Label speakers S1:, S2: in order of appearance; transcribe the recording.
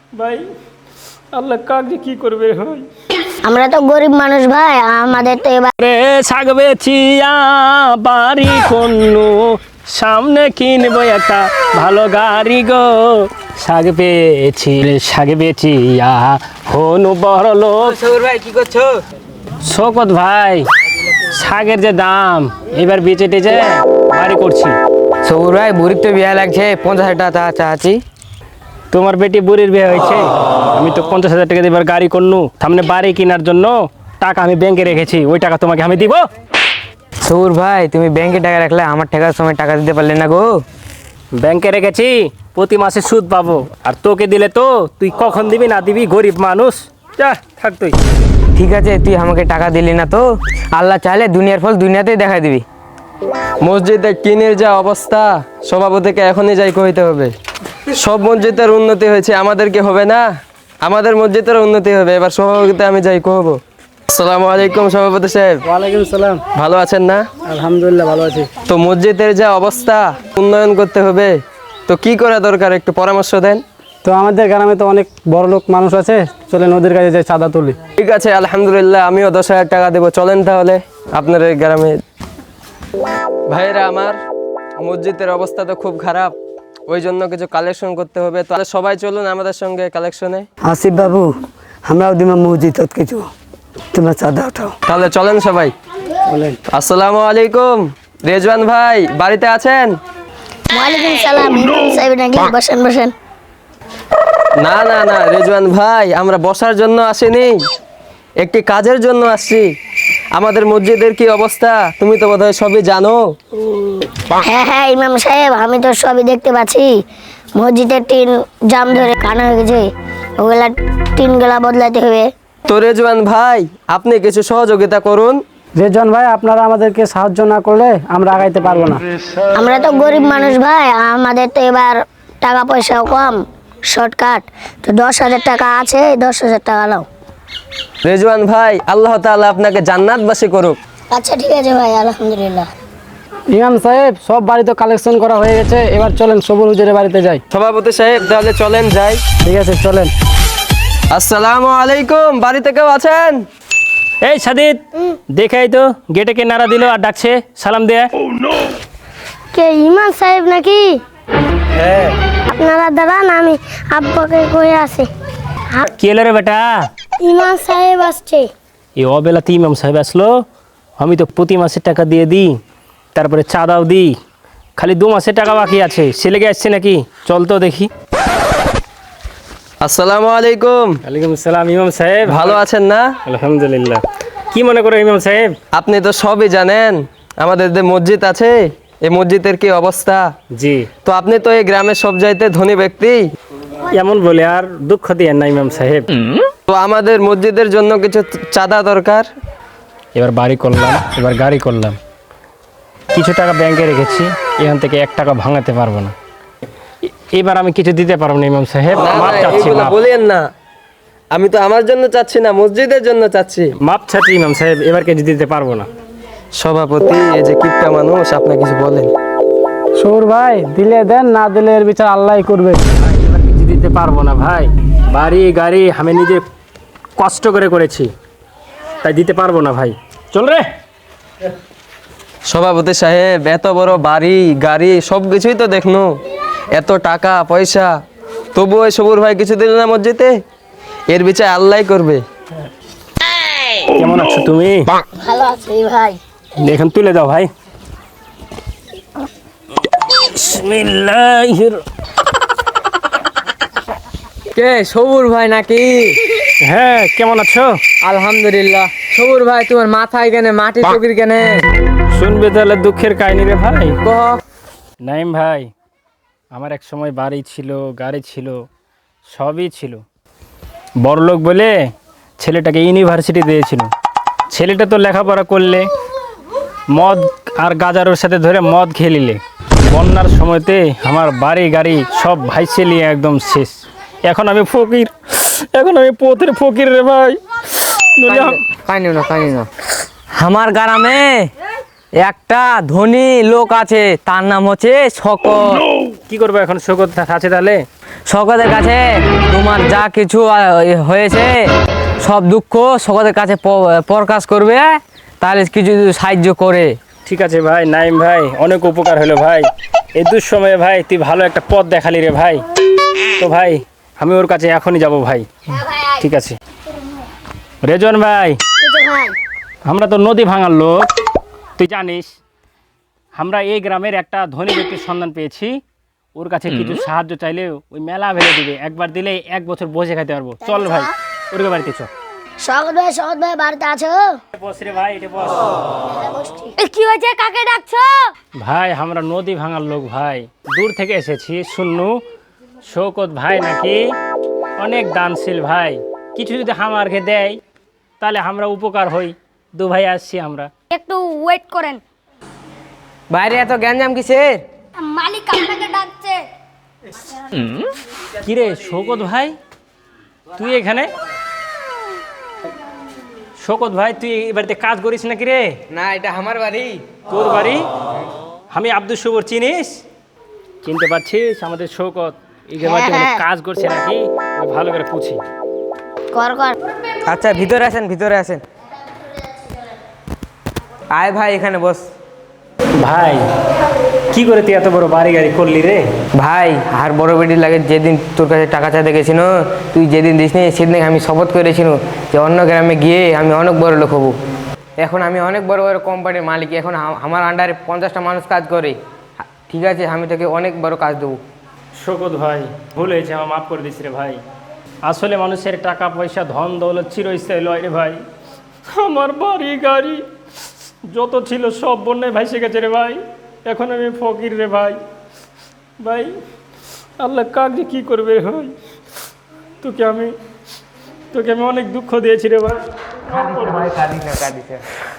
S1: ভাই আল্লাহ কাকে কি করবে ভাই?
S2: আমরা তো গরিব মানুষ ভাই, আমাদের তো এবার
S1: রে শাক বেচিয়া বাড়ি কন্নু, সামনে কিনবো একটা ভালো গাড়ি গো। শাক বেচি রে শাক বেচিয়া হনু বড় লোক।
S3: সৌর ভাই কি করছো?
S1: শোকত ভাই, শাকের যে দাম এবার বেচে টেচে বাড়ি করছি।
S3: সৌর ভাই বুড়ির তো বিয়া লাগছে, 50,000 টাকা চাচ্ছি।
S1: তোমার বেটি বুড়ির বিয়ে হয়েছে, আমি তো 50,000 টাকা দিয়ে এবার গাড়ি করনু, সামনে বাড়ি কেনার জন্য টাকা আমি ব্যাংকে রেখেছি, ওই টাকা তোমাকে আমি দিব।
S3: সৌর ভাই তুমি ব্যাংকে টাকা রাখলে, আমার টাকার সময় টাকা দিতে পারলে না গো।
S1: ব্যাংকে রেখেছি, প্রতি মাসে সুদ পাবো, আর তোকে দিলে তো তুই কখন দিবি না দিবি, গরিব মানুষ। যা থাক তুই।
S3: ঠিক আছে, তুই আমাকে টাকা দিলি না তো, আল্লাহ চাইলে দুনিয়ার ফল দুনিয়াতেই দেখা দিবি।
S4: মসজিদে টিনের যা অবস্থা, সভাপতিকে এখনই যাই কইতে হবে। সব মসজিদের উন্নতি হয়েছে, আমাদেরকে হবে না? আমাদের মসজিদের উন্নতি হবে, এবার সভাপতিতে আমি যাই কহব। আসসালামু আলাইকুম সভাপতি সাহেব,
S1: ওয়ালাইকুম সালাম।
S4: ভালো আছেন না?
S1: আলহামদুলিল্লাহ ভালো আছি।
S4: তো মসজিদের যা অবস্থা, উন্নয়ন করতে হবে, তো কি করা দরকার একটু পরামর্শ দেন।
S5: তো আমাদের গ্রামে তো অনেক বড় লোক মানুষ আছে, চলে নদীর কাছে যাই চাঁদা তুলি।
S4: ঠিক আছে আলহামদুলিল্লাহ, আমিও 10,000 টাকা দেবো, চলেন তাহলে আপনার এই গ্রামে। ভাইরা আমার, মসজিদের অবস্থা তো খুব খারাপ, ওই জন্য কিছু কালেকশন করতে হবে, তাহলে সবাই চলুন আমাদের সঙ্গে কালেকশনে।
S6: আসিফ বাবু, আমরাও দিমা মসজিদ কিছু, তোমরা চাঁদা উঠাও।
S4: তাহলে চলেন সবাই। আসসালামু আলাইকুম, রেজওয়ান ভাই বাড়িতে আছেন?
S2: ওয়ালাইকুম সালাম। ইমাম সাহেব নাকি? বসেন বসেন।
S4: না না না রেজওয়ান ভাই, আমরা বসার জন্য আসিনি, একটি কাজের জন্য আসছি। আমাদের মসজিদের কি অবস্থা তুমি তো বোধহয় সবই জানো।
S2: হ্যাঁ হ্যাঁ ইমাম সাহেব, আমি তো সবই দেখতে পাচ্ছি। মসজিদের টিন জাম ধরে কানা হয়ে গেছে, ওগুলা টিনগুলা বদলাতে হবে।
S4: তো রেজওয়ান ভাই, আপনি কিছু সহযোগিতা করুন।
S5: রেজন ভাই, আপনারা আমাদেরকে সাহায্য না করলে আমরা আগাইতে পারবো না।
S2: আমরা তো গরিব মানুষ ভাই, আমাদের তো এবার টাকা পয়সাও কম, শর্টকাট। তো 10,000 টাকা আছে, 10,000 টাকা নাও।
S4: রেজওয়ান ভাই, আল্লাহ তাআলা আপনাকে জান্নাতবাসী করুক।
S2: আচ্ছা ঠিক আছে ভাই, আলহামদুলিল্লাহ।
S5: ইমাম সাহেব, সব বাড়ি তো কালেকশন করা হয়ে গেছে, এবার চলেন সবুর হুজুরের বাড়িতে যাই।
S4: সভাপতি সাহেব তাহলে চলেন যাই।
S5: ঠিক আছে চলেন।
S4: আসসালামু আলাইকুম, বাড়িতে কেউ আছেন?
S1: এই সাদিদ, দেখাই তো গেটে কে নাড়া দিল আর ডাকছে, সালাম দেয়া।
S2: কে ইমাম সাহেব নাকি?
S4: হ্যাঁ।
S2: আপনারা দাঁড়ান, আমি আব্বাকে কয়ে আসি।
S1: কি এলো রে বেটা?
S2: ইমাম সাহেব আসছে।
S1: এই অবেলাতে ইমাম সাহেব আসলো? আমি তো প্রতি মাসে টাকা দিয়ে দিই, তারপরে চাঁদাও দিই, খালি 2 মাসের টাকা বাকি আছে, সে লেগে আসছে নাকি? চল তো দেখি।
S4: আসসালামু আলাইকুম।
S1: ওয়ালাইকুম আসসালাম ইমাম সাহেব।
S4: ভালো আছেন না?
S1: আলহামদুলিল্লাহ। কি মনে করো ইমাম সাহেব?
S4: আপনি তো সবই জানেন, আমাদের যে মসজিদ আছে, এই মসজিদের কি অবস্থা।
S1: জি।
S4: তো আপনি তো এই গ্রামের সব চাইতে ধনী ব্যক্তি,
S1: এমন বলে আর দুঃখ দিয়েন না ইমাম সাহেব।
S4: তো আমাদের মসজিদের জন্য কিছু চাঁদা দরকার।
S1: এবার বাড়ি করলাম, এবার গাড়ি করলাম, কিছু টাকা ব্যাংকে রেখেছি, এখান থেকে 1 টাকা ভাঙাতে পারবো না। এবার আমি কিছু দিতে পারবো না ইমাম সাহেব,
S4: না,
S1: মাপ
S4: না,
S1: চাচ্ছি,
S4: এইগুলো
S1: মাপ।
S4: বলেন না, আমি তো আমার জন্য চাচ্ছি না, মসজিদের জন্য চাচ্ছি।
S1: মাপ চাচ্ছি ইমাম সাহেব, এবার কিছু দিতে পারবো না।
S4: সভাপতি, এই যে কিপটা মানুষ, আপনি কিছু বলেন।
S5: সৌর ভাই, দিলে দেন, না দিলে এর বিচার আল্লাহই করবে।
S1: ভাই, এবার কিছু দিতে পারবো না ভাই, বাড়ি গাড়ি আমি নিজে কষ্ট করে করেছি, তাই দিতে পারবো না ভাই। চল রে।
S4: সভাপতি সাহেব, এত বড় বাড়ি গাড়ি সব কিছুই তো দেখনো, এত টাকা পয়সা, তবু ওই সবুর ভাই কিছু দিল না মসজিদে, এর বিচার আল্লাহই করবে।
S1: কেমন আছো তুমি?
S2: ভালো আছি ভাই।
S1: এখন তুলে দাও ভাই। বিসমিল্লাহির।
S3: কে সবুর ভাই নাকি?
S1: হ্যাঁ, কেমন আছো?
S3: আলহামদুলিল্লাহ। সবুর ভাই, তোমার মাথায় কেনে মাটি চকির কেনে?
S1: শুনবে তাহলে দুঃখের কাহিনী রে ভাই।
S3: কহ।
S1: নাইম ভাই, আমার এক সময় বাড়ি ছিল, গাড়ি ছিল, সবই ছিল। বড়লোক বলে ছেলেটাকে ইউনিভার্সিটি দিয়েছিল। ছেলেটা তো লেখাপড়া করলে মদ আর গাজারের সাথে ধরে মদ খেয়ে নিলে, বন্যার সময়তে আমার বাড়ি গাড়ি সব ভাইসে নিয়ে একদম শেষ। এখন আমি ফকির, এখন আমি পথের ফকির রে ভাই।
S3: কাইনো না, কাইনো না। আমার গ্রামে একটা ধনী লোক আছে, তার নাম হচ্ছে শকত।
S1: কি করবো এখন? শোকত আছে তাহলে?
S3: শওকতের কাছে তোমার যা কিছু হয়েছে সব দুঃখ শওকতের কাছে প্রকাশ করবে, তাহলে কিছু যদি সাহায্য করে।
S1: ঠিক আছে ভাই নাইম ভাই, অনেক উপকার হলো ভাই। এই দুঃসময়ে ভাই তুই ভালো একটা পথ দেখালি রে ভাই। তো ভাই আমি ওর কাছে এখনই যাব ভাই। ঠিক আছে রেজন ভাই,
S2: ভাই
S1: আমরা তো নদী ভাঙার লোক, তুই জানিস। আমরা এই গ্রামের একটা ধনী ব্যক্তির সন্ধান পেয়েছি, ওর কাছে কিছু সাহায্য চাইলে ওই মেলা ভেবে দিবে, একবার দিলে 1 বছর বসে খাইতে পারবো। চল ভাই ওর বাড়িতে চল।
S2: শওকত ভাই বাড়িতে আছো?
S1: বস রে ভাই, এটা বস।
S2: কি হয়েছে, কাকে ডাকছো?
S1: ভাই আমরা নদী ভাঙার লোক ভাই, দূর থেকে এসেছি। শুননু শওকত ভাই নাকি অনেক দানশীল ভাই, কিছু যদি আমারকে দেয় তাহলে আমরা উপকার হই। দু ভাই আসছি আমরা।
S2: একটু ওয়েট করেন,
S3: বাইরে এত গ্যাঞ্জাম কিসের?
S2: মালিক আপনাকে ডাকছে।
S1: কিরে শওকত ভাই, তুই এখানে? শওকত ভাই তুই এই বাড়িতে কাজ করিস নাকি রে?
S3: না, এটা আমার বাড়ি।
S1: তোর বাড়ি? আমি আব্দুল শুভর, চিনিস? চিনতে পারছিস? আমাদের শওকত এই বাড়িতে অনেক কাজ করছে নাকি, আমি ভালো করে পুছি।
S2: কর কর।
S3: আচ্ছা ভিতরে আসেন, ভিতরে আসেন। আয় ভাই এখানে বস।
S1: ভাই কি করে তুই এত বড় বাড়ি গাড়ি করলি রে?
S3: ভাই আর বড় বেটি লাগে, যেদিন তোর কাছে টাকা চাইতে গেছিল, তুই যেদিন দিসনি সেদিন আমি শপথ করেছিল যে অন্য গ্রামে গিয়ে আমি অনেক বড় লোক হবো। এখন আমি অনেক বড় বড় কোম্পানির মালিক, এখন আমার আন্ডারে 50টা মানুষ কাজ করে। ঠিক আছে, আমি তোকে অনেক বড় কাজ দেবো।
S1: শওকত ভাই ভুল হয়েছে, আমার মাফ করে দিস রে ভাই। আসলে মানুষের টাকা পয়সা ধন দৌলত চিরস্থায়ী লয় রে ভাই। আমার বাড়ি গাড়ি যত ছিল সব বন্যায় ভাইসে গেছে রে ভাই। এখন আমি ফকির রে ভাই। ভাই আল্লাহ কাক যে কী করবে রে ভাই, তোকে আমি অনেক দুঃখ দিয়েছি রে ভাই।
S3: ভাই কাঁদিস না, কাঁদিস না।